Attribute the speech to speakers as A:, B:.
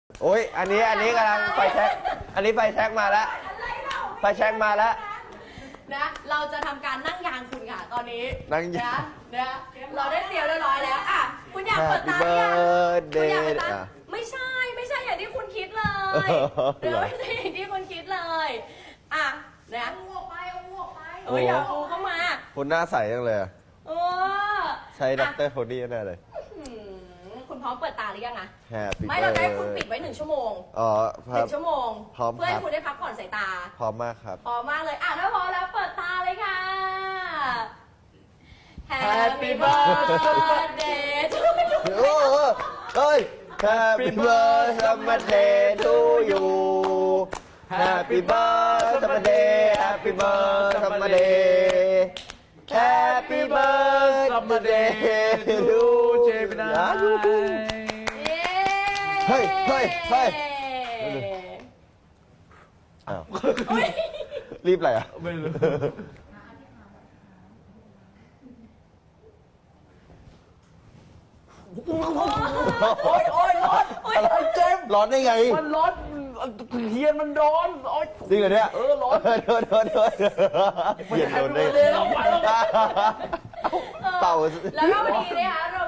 A: โอ้ยอันนี้กำลังไฟแช็กอันนี้ไฟแช็กมาแล้วไฟแช็กมาแล้ว
B: นะเราจะทำการนั่งยางคุณค่ะตอนนี้
A: นั่งยาง
B: นะเราได้เตรียมเรียบร้อยแล้วอ่ะคุณอยากเปิดตาหรือยังคุณอยากเปิดตาไม่ใช่อย่างที่คุณคิดเลยเดี๋ยวไม่ใช่อย่างที่คุณคิดเลยอ่ะนะเอาออกไปอย่าเอาเข้ามา
A: คุณหน้าใสจังเลยใช้ด็อกเตอร์โทนี่แน่เลย
B: คุณพร้อมเปิดตาหรือยังอะ
A: ไม่
B: เราจะให้คุณปิดไว้1 ชั่วโมง1 ชั่วโมงเพื่อให้คุณได้พักผ่อนสายตา
A: พร้อมมากครับ
B: พร้อมมากเลยอ่ะถ้าพร้อมแล้วเปิดตาเลยค่ะ Happy birthday to you
A: เฮ้ย Happy birthday to you Happy birthday Happy birthday Happy birthday to Gemini เฮ้ยอ้าวรีบอะไรอ่ะไม่รู้โอ๊ยร้อนอะไรเจมร้อนได้ไง
C: มันร้อนเทียนมันร้อน
A: จริงเหรอเนี่ย
C: ร้อน
A: โดนเทียนโดนได้
B: แล้วก็วันนี้นะคะเรา